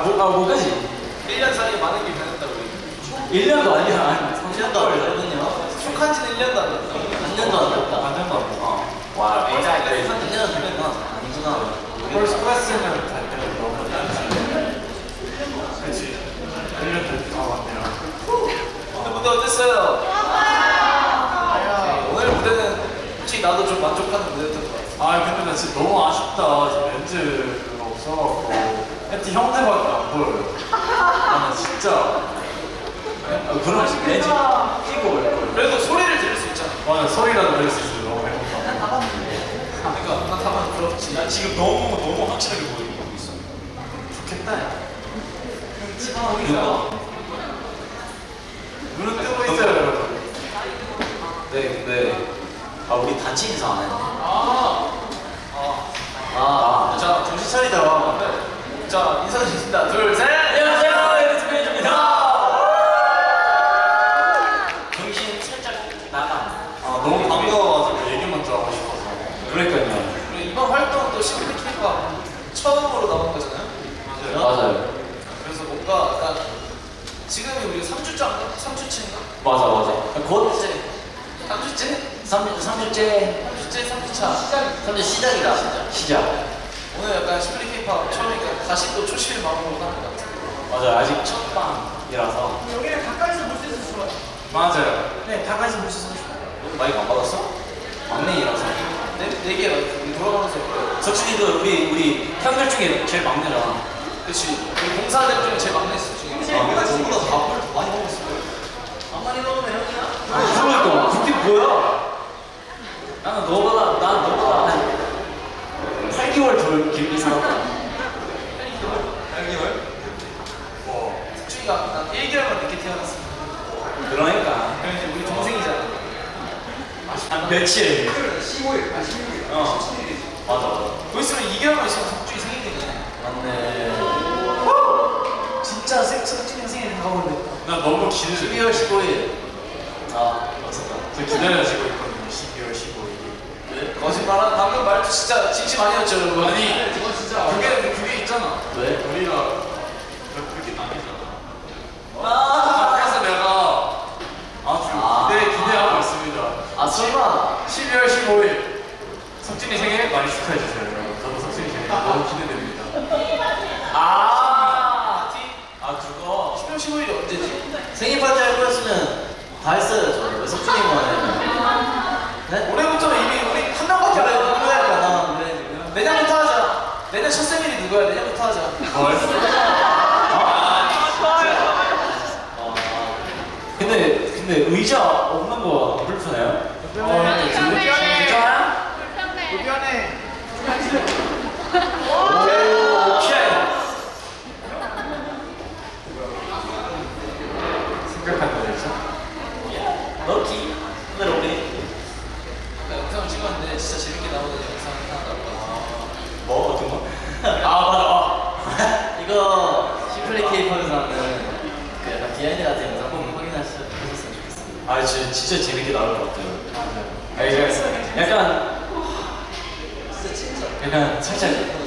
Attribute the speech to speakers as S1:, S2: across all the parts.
S1: 뭐까지?
S2: 1년 사이에 많은 게 변했다고.
S1: 1년도 아니야.
S3: 3년도 안 되거든요.
S2: 축한 지는 1년도 안 됐다.
S3: 반년도 안 됐다.
S1: 반년도 안 됐다.
S3: 와,
S1: 진짜
S3: 한 2년 되면 아니구나.
S1: 펄스 클래스는 갈 때가 너무 그치. 1년 됐다. 맞네요.
S2: 오늘 무대 어땠어요? 오늘 무대는 솔직히 나도 좀 만족하는 무대였던 것 같아.
S1: 근데 나 진짜 너무 아쉽다. 지금 렌즈가 없어갖고 혜티 형네밖에 안 보여요. 나 진짜 그런 식 렌즈 끼고 올 거예요.
S2: 그래도 소리를 들을 수 있잖아.
S1: 맞아, 소리라도 들을 수 있어요. 너무 행복하다.
S2: 그러니까 나 다만 부럽지.
S4: 나 지금 너무 확실하게 보이고 있어.
S1: 좋겠다. 야.
S2: 누가?
S1: 눈은 뜨고 있어요, 여러분.
S3: 네, 근데 우리 단체 인사 안 했네.
S2: 자, 정신 차리자. 네. 자, 인사드리겠습니다. 둘, 셋!
S3: 안녕하세요, 연습해줍니다. 정신 살짝 나가.
S1: 너무 반가워가지고 얘기 먼저 하고 싶어서.
S3: 그러니까요.
S2: 그리고 이번 활동은 또 시크릿 K가 처음으로 나온 거잖아요.
S3: 맞아요.
S2: 그래서 뭔가 약간 지금이 우리 3주째인가? 3주째인가?
S3: 맞아. 곧
S2: 3주째?
S3: 3주째
S2: 3주째, 3주차.
S3: 3주 시작이다. 시작.
S2: 오늘 약간 시크릿 K팝 처음이니까 다시 또 초심의 마음으로 하는 것 같아요.
S3: 맞아요. 아직 첫 방이라서.
S2: 여기는 가까이서 볼 수 있어서 좋아요.
S1: 맞아요.
S2: 네, 가까이서 볼 수 있어서 좋아요.
S3: 마이크 안 받았어? 막내이라서.
S2: 네 개가 우리 돌아가면서.
S3: 석준이도 우리 형들 중에 제일 막내잖아.
S2: 그치. 우리 공사들 중에 제일 막내였어, 지금.
S3: 내가
S2: 저보다 밥을 더 많이 먹었어. 안 많이 먹으면 형이야?
S3: 그러니까 그게 뭐야? 나는 너보다 한 8개월 덜 길게 살았다.
S2: 8개월? 석준이가 난 1개월만 늦게 태어났어.
S3: 그러니까
S2: 그래서 우리 동생이잖아.
S3: 한 며칠.
S2: 15일. 16일.
S3: 어.
S2: 17일이지.
S3: 맞아.
S2: 거 있으면 2개월만 있으면 석준이 생일이네.
S3: 맞네.
S2: 진짜 석준이 형 생일 다가오는데.
S1: 나 너무 기대돼.
S3: 12월 15일. 맞았다.
S1: 저 기다려지고 있거든요. 12월 15일.
S3: 왜?
S2: 거짓말한 방금 말도 진짜 진심 아니었죠, 여러분?
S1: 아니,
S2: 그건 진짜.
S1: 그게 있잖아.
S3: 왜?
S1: 우리가 그렇게 나뉘잖아.
S3: 아.
S1: 그래서 내가 아주 기대하고 있습니다.
S3: 설마.
S1: 12월 15일 석진이 생일 많이 축하해주세요, 여러분. 저도 석진이 생일 너무 기대됩니다.
S3: 그거.
S2: 10월 15일이 언제지?
S3: 생일 파티 할 거였으면 다 했어야죠. 왜 석준이만 해? 네?
S2: 올해부터는 이미 우리 한 명밖에 안
S3: 그래,
S2: 해요.
S3: 누구야? 나 그래.
S2: 내년부터 하자. 내년 첫 생일이 누구야? 내년부터 하자.
S1: 뭘?
S3: 근데 의자 없는 거 불편해요?
S2: 불편해.
S1: 생각한 거 있어?
S3: 럭키. 오늘 우리
S2: 아까 영상을 찍었는데 진짜 재밌게 나오는 영상이 하나 나왔거든요.
S3: 뭐 어떤 거? 맞아. 이거 시플리 K-팝에서 하는 그 약간 비하인드 같은 영상 꼭 확인하셨으면 좋겠습니다. 진짜 재밌게 나올 것 같아요. 약간 살짝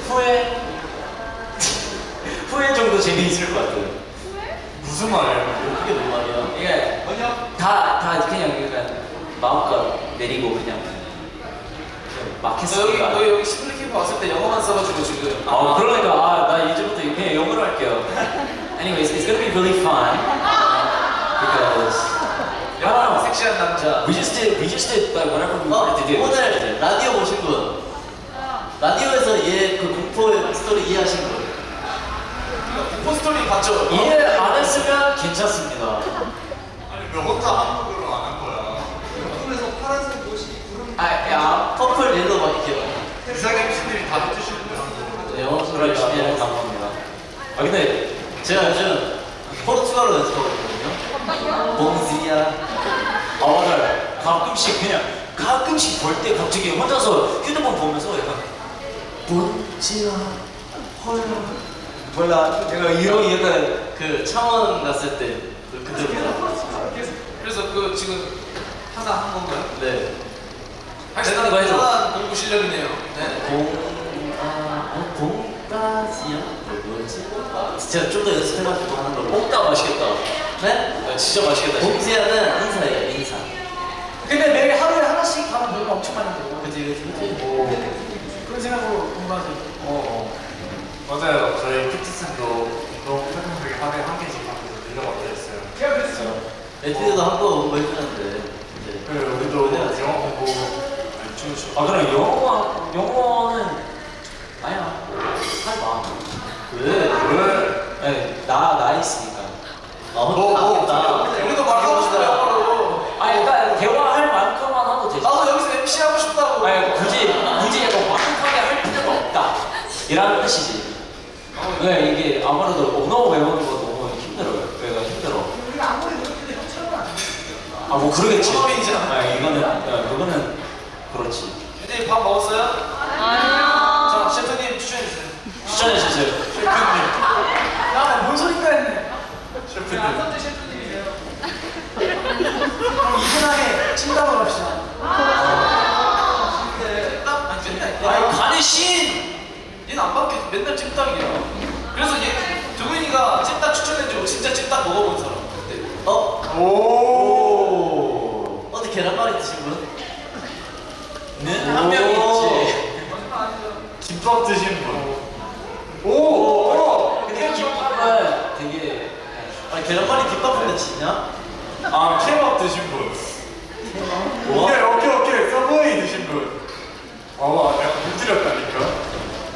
S3: 후회 정도 재미있을 것 같아요.
S1: 무슨 말이야?
S3: 그게 뭔 말이야? 이게 다 그냥 약간 마음껏 내리고 그냥
S2: 너
S3: 막혔으니까.
S2: 여기 시플리 캠프 왔을 때 영어만 써가지고 지금.
S3: 그러니까 나 이제부터 그냥 영어로 할게요. Anyways, it's gonna be really fun because
S2: 영어로 섹시한 남자.
S3: we just did like whatever we wanted to do. 오늘 라디오 보신 분, 라디오에서 얘 그 공포 스토리 이해하신 분,
S2: 공포 스토리 봤죠?
S3: 이해 안 했으면 괜찮습니다.
S1: 아니 왜 혼자 한국어로 안 한 거야?
S2: 꿈에서 파란색 옷이 구름.
S3: 퍼플 옐로우 막 이렇게.
S1: 이상 MC들이 다 해주시는데
S3: 영어 소리 열심히 해서 감사합니다. 근데 제가 요즘 포르투갈어 연습하고 있거든요. 봉지야. 맞아요. 가끔씩 볼 때 갑자기 혼자서 휴대폰 보면서 약간 봉지야 헐 몰라 내가 이런 약간 그 창원 갔을 때 그때부터.
S2: 그래서 그 지금 하나 한 건가요?
S3: 네.
S2: 대단한
S3: 거 해줘.
S2: 대단한 공부 실력이네요. 네.
S3: 봉가 스파지야? 뭐였지? 제가 좀 더 연습해가지고 하는 걸로.
S2: 뽕따 맛있겠다.
S3: 네?
S2: 야, 진짜 맛있겠다.
S3: 봉지야는 인사예요, 인사.
S5: 근데 매일 하루에 하나씩 가면 돈이 엄청 많이 들고
S3: 그치, 그치.
S5: 그런 생각으로 공부하지.
S1: 맞아요. 저희 큐티슨도 운동 태평하게 하루에 한 개씩 하면서 늘려받고 있어요.
S5: 제가 그랬어요.
S3: 에티드도 한거 공부해주는데. 이제.
S1: 그 우리도 영어 공부
S4: 아 그럼 영어는 아니야 하지 마.
S3: 왜?
S1: 왜?
S4: 아니 나 있으니까.
S3: 아, 혼자 하겠다.
S2: 우리도 말하고 싶다, 영어로.
S4: 아니 그러니까 대화할 만큼만 하도 되지.
S2: 나도 여기서 MC 하고 싶다고.
S4: 아니 굳이 약간 완벽하게 할 필요가 없다. 이라는 뜻이지. 네 이게 아무래도 언어 외우는 거 너무 힘들어요. 그래가 힘들어.
S5: 우리가 아무리 노력해도 형처럼은 안 돼.
S4: 아 뭐 그러겠지.
S2: 처음이잖아.
S4: 아 이거는 그거는 그렇지.
S2: 애들이 밥 먹었어요? 아니요. 자, 셰프님 추천해주세요.
S4: 추천해 주세요.
S1: 셰프님,
S5: 야, 뭔 소린가 했네.
S1: 셰프님.
S5: 안선재 셰프님이세요. 그럼 이분하게 찜닭으로 합시다.
S2: 아니, 맨날.
S4: 아니 가는 신.
S2: 얘는 안 바뀌어. 맨날 찜닭이야. 그래서 두근이가 찜닭 추천해주고 진짜 찜닭 먹어본 사람. 어때?
S1: 오.
S3: 어디 계란말이 드신 분?
S4: 는 한 명이 있지.
S1: 김밥 드신 분. 오.
S4: 근데 김밥은 되게
S3: 아니 계란말이 김밥인데 지냐?
S1: 아 케밥 드신 분.
S3: 뭐?
S1: 오케이. 서브웨이 드신 분. 아, 내가 못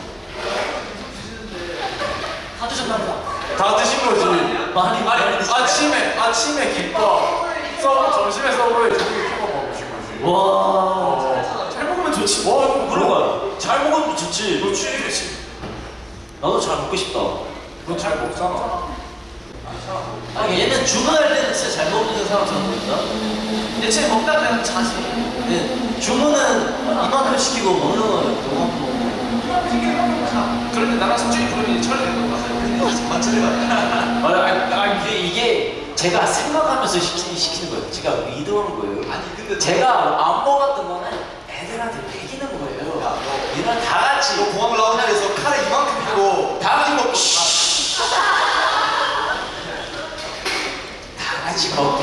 S5: 다 드셨답니다.
S1: 다 드신 거지.
S3: 많이 드신
S1: 아침에 김밥. 점심에 서브웨이 저녁에 케밥 먹으신 거지.
S3: 와.
S2: 잘 먹으면 좋지.
S4: 와 그런 거야. 잘 먹으면 좋지.
S2: 그렇지.
S4: 나도 잘 먹고 싶다.
S1: 너 잘 먹잖아.
S3: 아니 얘는 주문할 때는 진짜 잘 먹는 사람처럼 보인다.
S2: 대체 먹다 그냥 자지.
S3: 근데 주문은 이만큼 시키고 먹는 거는 너무
S2: 그런데 나랑 성준이 부르면 철회된 거 같아요. 맞춰를 가.
S4: 맞아. 이게 제가 생각하면서 시키는 거예요. 제가 의도한 거예요.
S2: 아니 근데
S4: 제가 안 먹었던 거는 애들한테 먹이는 거예요. 얘랑 다 같이
S2: 너 공항 라운지에서 카레 이만큼 피고
S4: 다 같이 먹고 다 같이 먹게.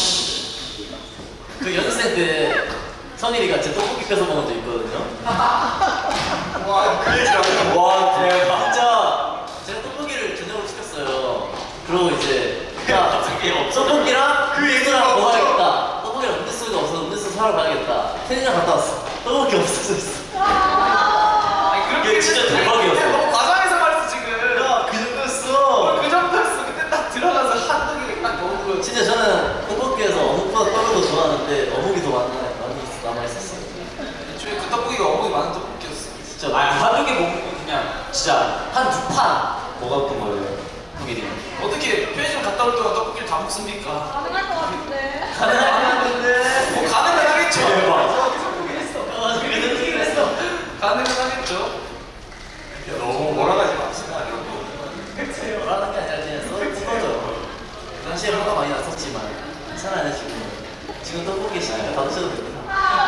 S3: 그 연습생 때 성일이가 제 떡볶이 뺏어 먹은 적 있거든요.
S1: 그 얘기 안 해.
S3: 와 대박. 진짜 제가 떡볶이를 저녁으로 시켰어요. 그리고 이제 야 떡볶이랑 그 얘기랑 뭐 하겠다. 떡볶이랑 음료수가 없어서 음료수 사러 가야겠다. 편의점 갔다 왔어. 떡볶이 없어졌어.
S2: 아니 그렇게
S3: 이게 진짜 대박이었어.
S2: 너무 과장해서 말했어 지금.
S3: 야 그 정도였어.
S2: 그 정도였어. 그때 딱 들어가서 한동이 딱 먹은 거.
S3: 진짜 저는 떡볶이에서 어묵보다 떡을 더 좋아하는데 어묵이 더 많이 남아있었어요.
S2: 애초에 그 떡볶이가 어묵이 많은 떡볶이였어.
S3: 진짜
S4: 한두 개 먹으면 그냥 진짜 한 두 판 먹었던 거예요. 독일이.
S2: 어떻게 편의점 갔다 올 동안 떡볶이를 다 먹습니까?
S6: 가능할 것 같은데.
S3: 가능한데
S2: 뭐 가능은 하겠죠.
S3: 그랬어.
S2: 가능은 하겠죠.
S1: 너무 몰아가지 맙시다, 여러분.
S3: 뭐라는 게 아니라 그냥 써져. 그 당시에 화가 많이 났었지만 괜찮아요 지금 떡볶이 시키면 다 드셔도 됩니다.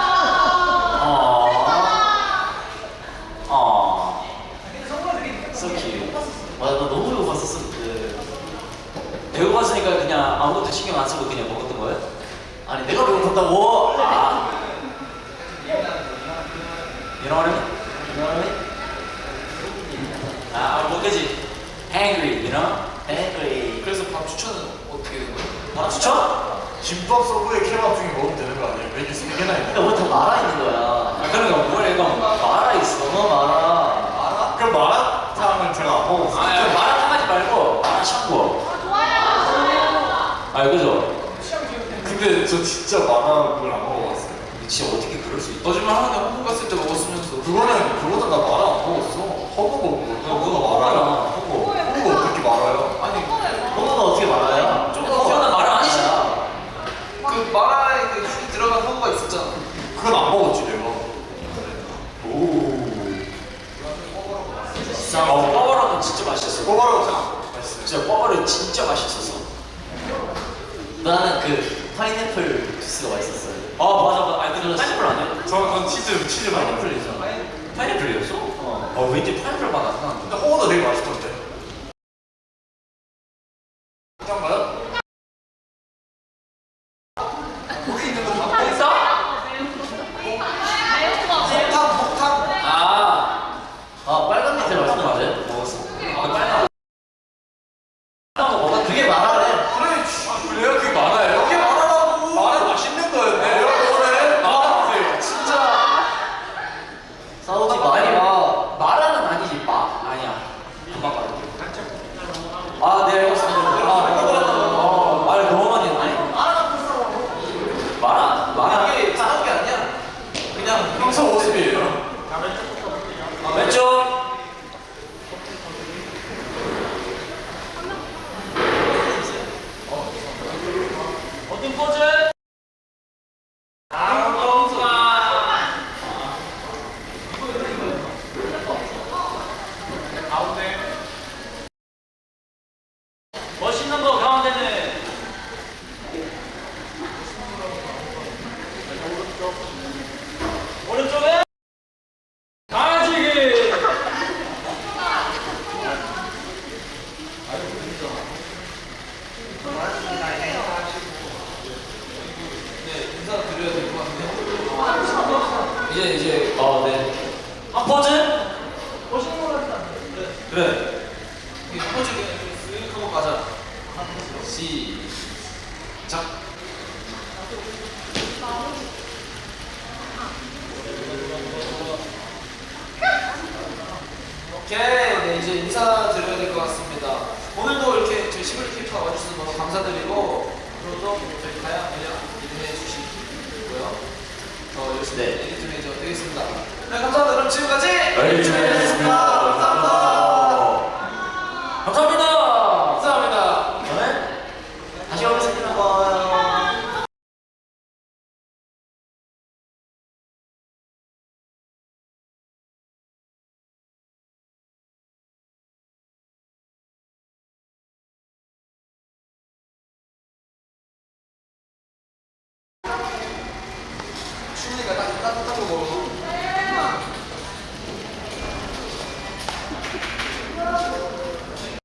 S4: So cute.
S3: 맞아 나 너무 배고팠었어 그때.
S4: 배고팠으니까 그냥 아무것도 신경 안 쓰고 그냥 먹었던 거예요?
S3: 아니 내가 배고팠다고.
S4: 아. You know what I mean? 뭐 그지? Hungry, you know?
S3: 앵그리.
S2: 그래서 밥 추천은 어떻게 된 거예요?
S4: 밥 추천?
S1: 김밥 서브웨이 케밥 중에 먹으면 되는 거 아니에요? 메뉴 3개나 있는데.
S3: 그러니까 뭐다 말아 있는 거야.
S4: 아 그러니까 뭘 이거 말아 있어.
S3: 너무 말아.
S1: 그 마라탕은 제가 안 먹었어요.
S4: 아니 마라탕 하지 말고 마라 샹궈. 아 그죠?
S1: 근데 저 진짜 마라를 안 먹어봤어요.
S4: 진짜 어떻게 그럴 수 있지?
S2: 거짓말 하는데 홍콩 갔을 때 먹었으면서
S1: 그거는 나 마라 안 먹었어. 허브 먹은 거. 허브가 마라야. 허브 어떻게 말아요?
S2: 아니
S3: 허브가 어떻게 말아요?
S4: 그거는 말 아니지.
S2: 그 마라에 그 향이 들어간 허브가 있었잖아.
S1: 그건 안 먹었지 내가.
S4: 뻐버라는 진짜 맛있었어.
S1: 꼬바로우 참 맛있어요.
S4: 진짜 뻐버라 진짜 맛있었어.
S3: 나는 그 파인애플 주스가 맛있었어요.
S4: 아 맞아. 아니 근데 파인애플 아니야?
S1: 전 치즈 많이
S3: 파인애플이죠.
S4: 파인애플이었어?
S3: 어.
S4: 어 왠지 파인애플 맛 안 나는데.
S1: 근데 홍어도 되게 맛있던데. 그런가요? 거기 있는 거 다
S4: 있어?
S2: 폭탄.
S3: 빨간 밑에 말씀하세요?
S4: 먹었어. 빨간 거 먹어.
S3: 그게 말하네.
S1: 그래, 그래요? 그게 많아요? 그게 많아라고. 많아 맛있는 거였네. 여러분, 나와주세요.
S2: 진짜.
S3: 싸우지 마.
S4: 아니 마라는 아니지 마 아니야. 금방 말해. 네 알겠습니다. 말 너무 많이 했네. 마라
S2: 이게 싸운 게 아니야. 그냥
S1: 평소 모습이에요.
S4: 왼쪽. 어떤 포즈? 멋있는 거 가운데는 오른쪽에 강아지기.
S2: 인사드려야 될 것 같은데.
S4: 이제 네. 한 포즈? 그래.
S2: 이게 포즈 그냥 쓱 하고 가자. 시작. 오케이, 네 이제 인사드려야 될 것 같습니다. 오늘도 이렇게 저희 시블리 캐릭터 와주셔서 너무 감사드리고 앞으로도 저희 다양한 매력 기대해 주시고요. 더 열심히 에디팅해서 되겠습니다. 네, 감사합니다. 그럼 지금까지
S4: 에디팅.